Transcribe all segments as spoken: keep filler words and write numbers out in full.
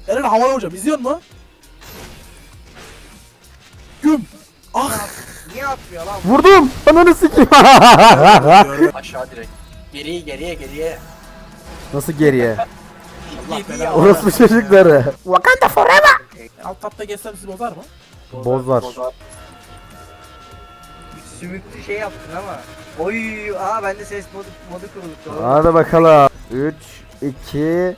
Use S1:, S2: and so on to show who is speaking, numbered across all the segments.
S1: Eren havaya hocam izliyor musun? Güm. Ah.
S2: Niye atmıyor lan?
S3: Vurdum. Ananı sikeyim.
S2: Aşağı direkt. Geriye geriye geriye.
S3: Nasıl geriye?
S2: Allah belanı.
S3: Orospu çocukları. Wakanda forever.
S1: Alt tapta geçsem sizi bozar mı?
S3: Bozlar.
S2: Sümüklü şey yaptın ama. Oy, aa bende ses modu, modu kuruldu.
S3: Hadi bakalım. üç, iki.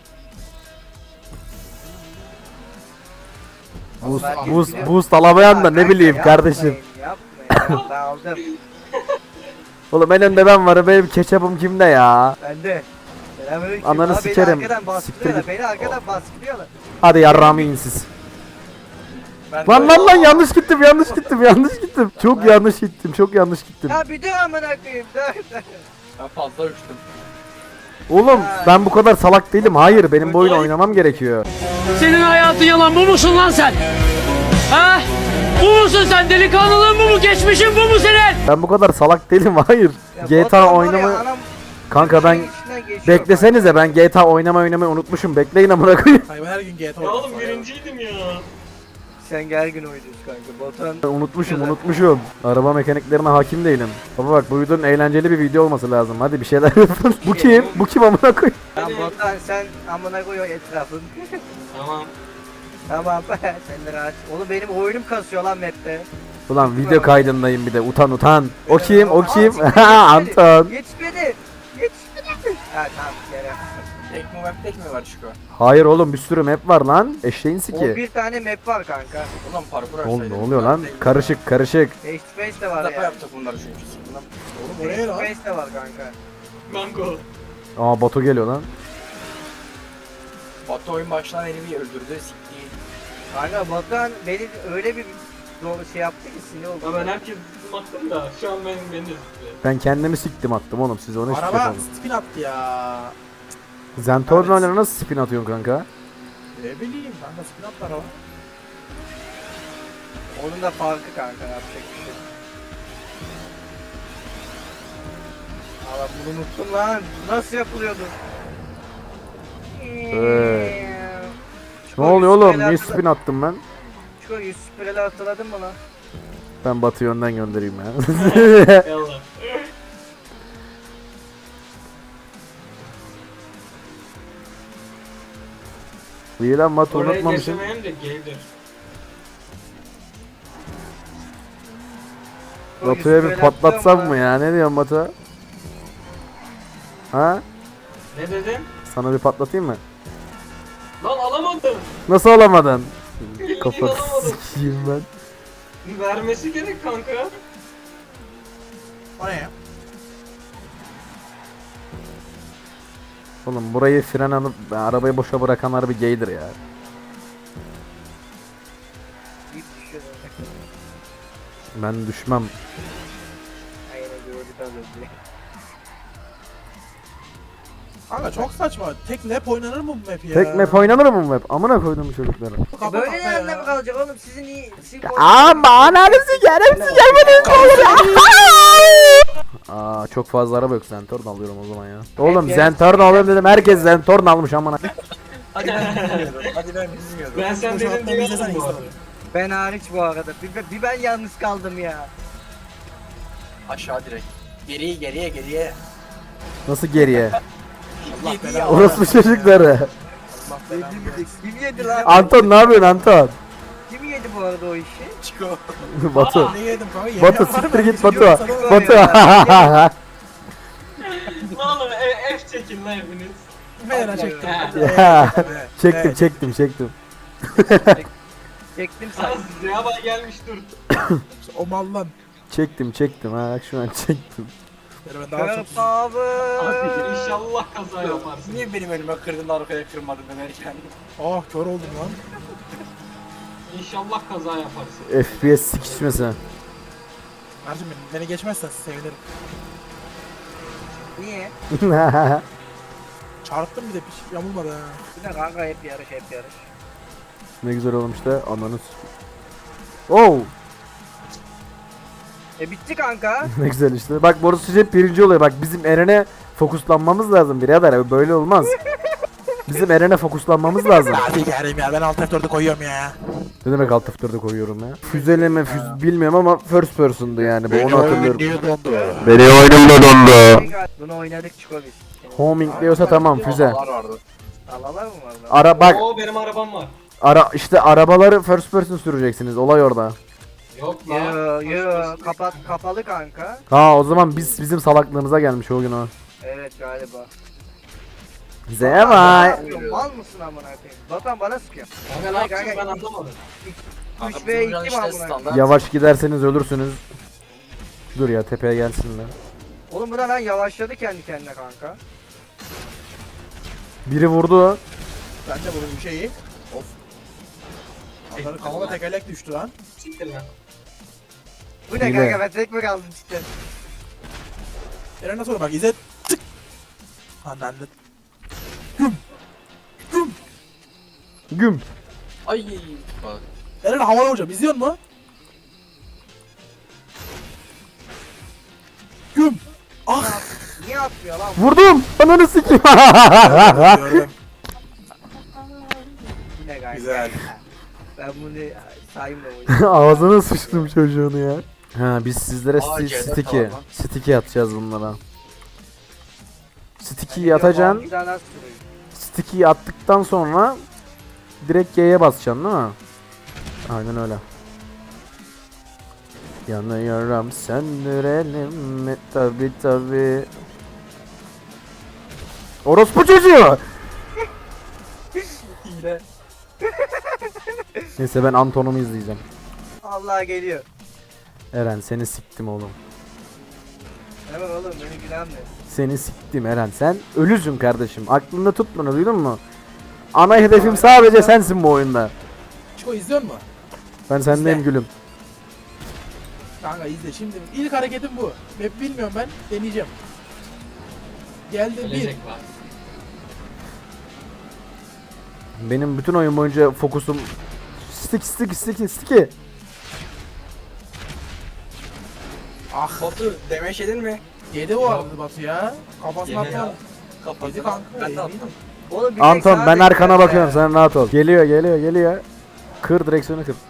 S3: Boost,
S2: Herkes
S3: boost,
S2: biliyor.
S3: boost alamayan da
S2: Ya
S3: ne
S2: kanka,
S3: bileyim
S2: yapmayın,
S3: kardeşim.
S2: Yapmayın. Ben aldım.
S3: Oğlum en önde ben varım, benim ketçapım kimde ya?
S2: Bende. Selamünaleyküm.
S3: Ananı
S2: Aa,
S3: sikerim.
S2: Beni arkadan
S3: Siktir
S2: baskılıyorlar.
S3: git.
S2: Beni arkadan baskılıyorlar.
S3: Hadi yarrağımı yiyin siz.
S2: Ben
S3: Lan lan lan yanlış gittim yanlış gittim yanlış gittim. Çok yanlış gittim çok yanlış gittim.
S2: Ya bir dur amına koyayım. Dur dur.
S4: Ben fazla uçtum.
S3: Oğlum ben bu kadar salak değilim. Hayır benim bu oyunu oynamam gerekiyor.
S5: Senin hayatın yalan, bu musun lan sen? Ha? Bu musun sen? Delikanlılığın bu mu? Geçmişin bu mu senin?
S3: Ben bu kadar salak değilim hayır.
S2: Ya
S3: G T A
S2: Batuhan var ya,
S3: oynama...
S2: anam
S3: Kanka ben...
S2: içinden geçiyor.
S3: Beklesenize ben G T A oynamayı oynamayı unutmuşum. Bekleyin amına koyayım.
S1: Hayır ben her gün G T A
S4: Ya
S1: oynuyorum.
S4: oğlum birinciydim ya.
S2: Sen gel gün oynuyorsun kanka. Batuhan
S3: Unutmuşum unutmuşum. Araba mekaniklerine hakim değilim. Baba bak bu videonun eğlenceli bir video olması lazım. Hadi bir şeyler yapın. Bu kim? Bu kim amına koyayım?
S2: Lan Batuhan sen amına koy o etrafın.
S4: Tamam.
S2: Tamam sen de rahat. Oğlum benim oyunum kasıyor lan map'te.
S3: Ulan video kaydındayım bir de utan utan. O kim? O
S2: Aa,
S3: kim?
S2: geçmedi,
S3: Anton.
S2: Geçmedi. Geçmedi. Ha tamam yere.
S4: Tek mi web tek mi var Şiko?
S3: Hayır oğlum bir sürü map var lan. Eşeğin
S2: on
S3: siki.
S2: bir tane map var kanka.
S4: Ulan parkur
S3: Oğlum
S4: açsaydım.
S3: ne oluyor lan? Karışık karışık.
S2: Face to face de var
S4: Defa
S2: ya.
S4: yaptık bunları çünkü. Bundan
S1: Oğlum
S2: Face
S1: oraya
S2: to
S1: lan.
S2: face de var kanka.
S4: Mango.
S3: Aa Batu geliyor lan.
S4: Batu oyun başından beni bir öldürdü sikti.
S2: Kanka Batuhan beni öyle bir zor şey yaptı ki sinir oldu.
S4: Ya ben herkes baktım da şu an benim beni de sikti.
S3: Ben kendimi siktim attım oğlum siz onu hiç
S1: Araba
S3: yapalım.
S1: spin attı ya.
S3: Zentorno'yla nasıl spin atıyorsun kanka?
S1: Ne bileyim kanka spin attı araba.
S2: Onun da farkı kanka yapacak bir şey. Allah bunu unuttum lan. Nasıl yapılıyordu?
S3: Evet.
S2: Çiko,
S3: Ne oluyor
S2: yüz
S3: oğlum?
S2: süpüreli
S3: Niye
S2: hatırla-
S3: spin attım ben?
S2: Çiko yüz süpüreli hatırladın mı lan?
S3: Ben Batı yönden göndereyim ya.
S4: Yallah.
S3: İyi lan Batı
S4: Orayı
S3: unutmamışım.
S4: geçemeyen de gaydir.
S2: Çiko, yüz
S3: Batu'ya bir
S2: süpüreli
S3: patlatsam
S2: hatırlıyor
S3: mı ya? Ne diyorsun Batu? Ha?
S4: Ne dedin?
S3: Sana bir patlatayım mı?
S4: Lan alamadım.
S3: Nasıl olamadın?
S4: Bildiğin
S3: Kapat
S4: alamadım.
S3: sikiyim ben.
S4: Vermesi gerek kanka.
S1: O ne ya?
S3: Oğlum burayı fren alıp arabayı boşa bırakanlar bir gaydir ya.
S2: İyi düşüyor zaten.
S3: Ben düşmem.
S2: Aynen gördük az önce.
S1: Kanka çok saçma. Tek lap oynanır mı bu map ya?
S3: Tek map oynanır mı bu map? Amına koydum bu çocukları.
S1: Kafa
S2: Böyle
S1: kafa
S2: nerede
S1: ya.
S2: mi kalacak oğlum sizin iyi... Sizin
S3: Ama ananı sikerim sikermedin olur ya. Aa çok fazla araba yok Zentorn alıyorum o zaman ya. Oğlum
S2: Hep
S3: Zentorn alıyorum dedim herkes Zentorn almış amına.
S1: Hadi ben bilmiyordum. Hadi ben bilmiyordum.
S4: Ben sen
S1: Bu
S4: dedin
S1: şarttan
S4: diye
S1: izlesen
S4: aldım bu arada.
S1: insan.
S2: Ben hariç bu arada. Bir, bir ben yalnız kaldım ya.
S4: Aşağı direkt. Geriye geriye geriye.
S3: Nasıl geriye?
S1: Allah
S4: Yedi
S1: belanı
S4: ya.
S3: Orospu çocukları.
S1: Allah belanı versin.
S2: Kim yedi lan?
S3: Anton ne yapıyorsun Anton?
S2: Kim yedi bu arada o işi?
S4: Çıko.
S3: Batu.
S1: Ne yedim kanka? Yemeğe
S3: Batu
S1: var
S3: siktir
S1: mı?
S3: git
S1: Hiç
S3: Batu.
S1: yok sana.
S3: Batu.
S4: Oğlum e, F çekin lan hepiniz.
S1: Meğer çektim.
S3: Ya,
S1: Evet,
S3: çektim
S1: evet.
S3: çektim çektim.
S2: Çektim
S4: Sana
S2: sanki.
S4: Zeyaba gelmiş dur.
S1: O mal lan.
S3: Çektim çektim ha bak şu an çektim.
S1: Yani ben daha çok...
S2: Kırp abi.
S4: Abi inşallah kaza yaparsın. Niye benim elime kırdın arkaya kırmadın denerken?
S1: Ah kör oldum lan.
S4: İnşallah kaza yaparsın.
S3: F P S sikişmesi.
S1: Kardeşim benim, beni geçmezsen sevinirim.
S2: Niye?
S1: Çarptım bir de bir şey yamulmadı ha.
S2: Bir de kanka hep yarış hep yarış.
S3: Ne güzel olmuş da ananı s- Oh
S2: E bitti kanka.
S3: ne güzel işte. Bak Boris hep birinci oluyor. Bak bizim Eren'e fokuslanmamız lazım birader. Böyle olmaz. Bizim Eren'e fokuslanmamız lazım.
S1: Hadi geleyim ya ben alt F dört'ü koyuyorum ya.
S3: Ne demek alt F dört'e koyuyorum ya? Füzeleme füz bilmiyorum ama first person'du yani bu onu hatırlıyorum. Benim oyunum da dondu.
S2: Bunu oynadık Çiko biz.
S3: Homing diyorsa tamam füze.
S4: vardı.
S2: Alalar mı var lan?
S3: Ara bak
S4: Oo benim arabam var.
S3: ara işte arabaları first person süreceksiniz olay orada.
S4: Yok lan.
S2: Yo yo kapat kapalı kanka.
S3: Ha o zaman biz bizim salaklığımıza gelmiş o gün o.
S2: Evet galiba.
S3: Zevay.
S2: Mal mısın amına koyayım? Batan bana sıkıyor.
S4: Kanka ne yapacağım ben anlamadım.
S2: üç ve iki mi amına koyayım?
S3: Yavaş giderseniz ölürsünüz. Dur ya tepeye gelsinler.
S2: Oğlum bu da lan yavaşladı kendi kendine kanka.
S3: Biri vurdu.
S1: Ben de bunun bir şeyi. Of. Onların kafama tekerlek düştü lan.
S4: Siktir lan.
S2: Bu ne
S3: Hile.
S2: kanka ben tek mi kaldım cidden?
S1: Eren nasıl olur bak İzzet. Tık. Anneanne.
S3: Güm.
S4: Ay. Bak.
S1: Eren havaya vuracağım izliyor musun? Güm. Ah.
S2: Niye atmıyor lan?
S3: Vurdum. Ananı sikeyim.
S1: Gördüm.
S2: Bu ne kanka?
S1: Güzel.
S2: Ben bunu saymıyorum.
S3: Ağzına sıçtım çocuğunu ya. Ha biz sizlere
S4: Aa,
S3: sti-
S4: C D
S3: sticky,
S4: falan.
S3: sticky atacağız bunlara. Sticky'yi atacaksın.
S2: Bir daha nasıl sürüyor?
S3: Sticky'yi attıktan sonra direkt G'ye basacaksın değil mi? Aynen öyle. Yanıyorum söndürelim mi? Tabi tabi. Orospu çocuğu!
S1: Hile.
S3: Neyse ben Anton'umu izleyeceğim.
S2: Allah geliyor.
S3: Eren seni siktim oğlum.
S2: Hemen oğlum beni gülen mi?
S3: Seni siktim Eren. Sen ölüsün kardeşim. Aklında tut bunu duydun mu? Ana hedefim sadece sensin bu oyunda.
S1: Çiko izliyor musun?
S3: Ben sendeyim
S1: İzle.
S3: gülüm.
S1: Kanka izle şimdi ilk hareketim bu. Hep bilmiyorum ben deneyeceğim. Geldi bir.
S4: Gelecek var.
S3: Benim bütün oyun boyunca fokusum stick stick stick sticky.
S1: Ah
S6: Batu demeç yedin mi?
S1: yedi o arada Batu ya. Kafasına
S4: Yedi ya.
S1: atma.
S6: Kapattım.
S1: Yedi kanka.
S6: Ben de
S1: yedi.
S6: attım.
S2: Oğlum bir tek
S3: Anton
S2: sana
S3: ben
S2: bekliyorum
S3: arkana
S2: ya.
S3: bakıyorum sen rahat ol. Geliyor geliyor geliyor. Kır direksiyonu kır.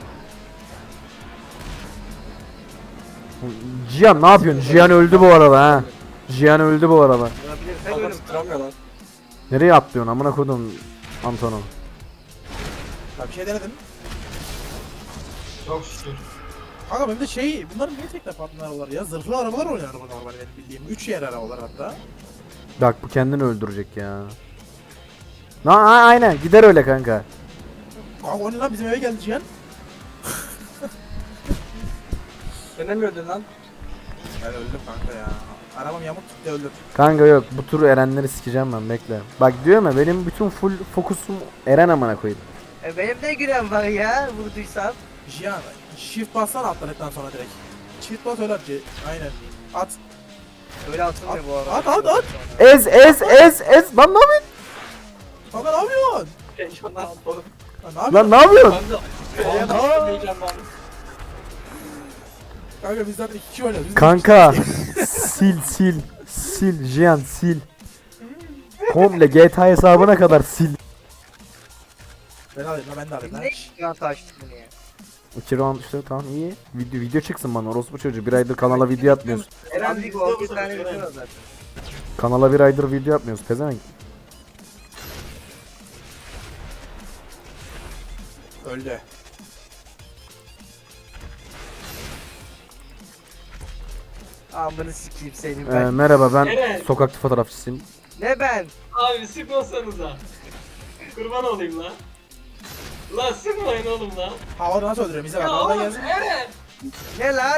S3: Cihan ne yapıyorsun? Cihan öldü bu arada ha. Cihan öldü bu arada.
S2: Olabilir,
S6: Kafa
S2: ölüm.
S6: tutturamıyorlar.
S3: Nereye atlıyorsun amına kodum Anton'u?
S1: Ya bir şey denedim.
S4: Çok şükür.
S1: Kanka benim de şey bunların niye tek defa atmalar ya? Zırhlı arabalar oynar bu normal benim bildiğim. üç yer arabalar hatta.
S3: Bak bu kendini öldürecek ya. Na a- aynen gider öyle kanka.
S1: Kanka o ne lan bizim eve geldi Cihan.
S6: Denemiyordun lan.
S1: Ben öldüm kanka ya. Arabam yamuk gitti öldüm.
S3: Kanka yok bu turu Erenleri sikeceğim ben bekle. Bak diyorum ya benim bütün full fokusum Eren amına koyayım.
S2: E benim de gülen var ya vurduysam.
S1: Cihan shift bassana atladıktan sonra direkt. Shift bas öyle at C- aynen. At.
S2: Öyle atılmıyor bu arada.
S1: At at at.
S3: Ez ez ez ez lan ne yapıyorsun?
S1: Kanka ne yapıyorsun?
S6: Heyecandan atladım.
S1: Lan ne
S3: Lan
S1: yapıyorsun?
S3: ne yapıyorsun?
S6: Ben de
S1: Kanka.
S6: heyecanlandım.
S1: Kanka biz zaten iki kişi oynuyoruz. Biz
S3: Kanka sil sil sil Jian sil. Komple G T A hesabına kadar sil.
S1: Ben alayım lan ben de alayım lan.
S2: Ne yan taştık bunu ya?
S3: iki round işte tamam iyi. Video video çıksın bana orospu çocuğu. Bir aydır kanala video atmıyoruz.
S2: Eren bir gol bir tane bütün o zaten.
S3: Kanala bir aydır video atmıyoruz pezevenk.
S1: Öldü.
S2: Amını sikeyim seni
S3: Ee,
S2: ben.
S3: merhaba ben
S4: Eren.
S3: sokakta fotoğrafçısıyım.
S2: Ne ben?
S4: Abi sıkmasanıza. Kurban olayım lan. Lan sıkmayın oğlum lan.
S1: Havada nasıl öldürüyorum? Bize bak.
S4: Ya
S1: Havada
S4: oğlum
S1: gelsin.
S4: Eren.
S2: Ne lan?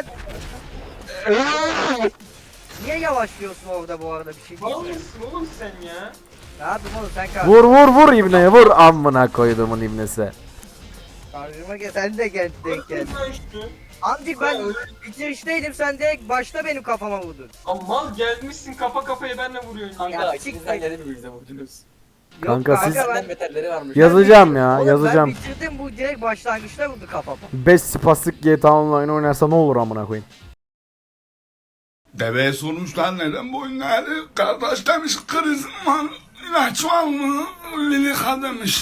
S2: Niye yavaşlıyorsun orada bu arada bir şey
S4: Mal
S2: değil mi?
S4: mısın oğlum sen ya?
S2: Ne yapayım oğlum sen kar
S3: Vur vur vur ibneye vur amına koyduğumun ibnesi.
S2: karşıma gel sen de gel denk gel.
S4: Kırma işte.
S2: Amcık ben bitirişteydim sen direkt başta benim kafama vurdun.
S4: Ama mal gelmişsin kafa kafaya benle vuruyorsun.
S2: Ya,
S6: Kanka
S2: siktir.
S6: ikinizden geldi mi bize vurdunuz?
S2: Yok
S3: Kanka siz-
S2: ben-
S6: Senden beterleri varmış.
S3: Yazacağım ya
S2: Oğlum
S3: yazacağım.
S2: Ben bitirdim bu direkt başlangıçta vurdu kafama.
S3: beş spastik G T A Online oynarsa ne olur amına koyayım.
S7: Deveye sormuşlar neden bu oyunları? Kardeş demiş krizim var. Ve çuval mı lili kadınmış.